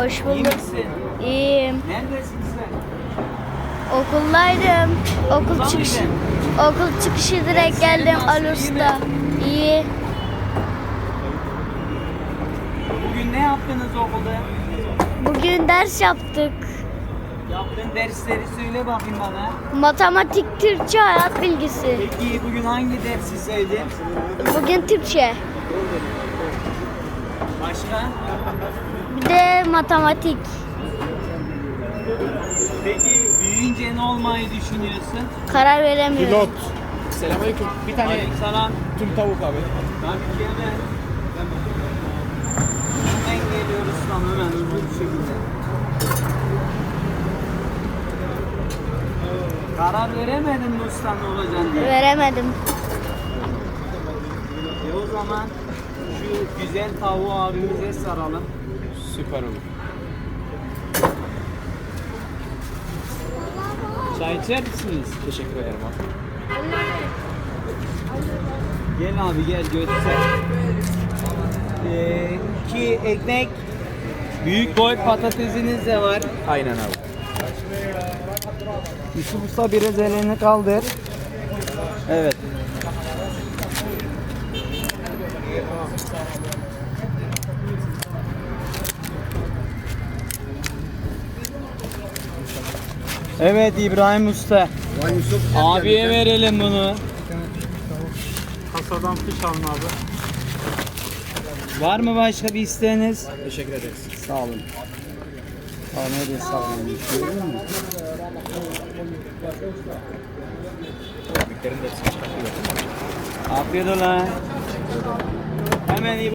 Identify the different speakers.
Speaker 1: Hoş
Speaker 2: İyi
Speaker 1: bulduk.
Speaker 2: misin?
Speaker 1: İyiyim.
Speaker 2: Neredesin sen?
Speaker 1: Okuldaydım.
Speaker 2: Okulda mıydın?
Speaker 1: Okul çıkışı direkt
Speaker 2: Derslerin
Speaker 1: geldim
Speaker 2: nasıl,
Speaker 1: Ali
Speaker 2: iyi
Speaker 1: Usta.
Speaker 2: mi?
Speaker 1: İyi.
Speaker 2: Bugün ne yaptınız okulda?
Speaker 1: Bugün ders yaptık.
Speaker 2: Yaptığın dersleri söyle bakayım bana.
Speaker 1: Matematik, Türkçe, hayat bilgisi.
Speaker 2: Peki bugün hangi dersi sevdin?
Speaker 1: Bugün Türkçe.
Speaker 2: Başka?
Speaker 1: Bir de matematik.
Speaker 2: Peki büyüyünce ne olmayı düşünüyorsun?
Speaker 1: Karar veremiyorum.
Speaker 3: Pilot. Selamünaleyküm. Bir tane
Speaker 2: Aleykümselam.
Speaker 3: tüm tavuk abi.
Speaker 2: Tabii ki hemen. Hemen geliyoruz tam hemen hızlı bir şekilde. Karar veremedin mi usta ne olacağını diye?
Speaker 1: Veremedim.
Speaker 2: O zaman şu güzel tavuğu abimize saralım.
Speaker 3: Süper olur.
Speaker 2: Çay içer misiniz?
Speaker 3: Teşekkür ederim abi.
Speaker 2: Gel abi gel göster. 2 ekmek, büyük boy patatesiniz de var.
Speaker 3: Aynen abi.
Speaker 2: Yusuf Usta biraz elini kaldır. Evet. Evet İbrahim Usta. Abiye verelim bunu.
Speaker 3: Kasadan fiş alın abi.
Speaker 2: Var mı başka bir isteğiniz?
Speaker 3: Teşekkür ederiz.
Speaker 2: Sağ olun. Nereye sağ olun? Görüyor musun?
Speaker 3: Miktarın da hepsini çıkartıyor.
Speaker 2: Afiyet olsun. Hemen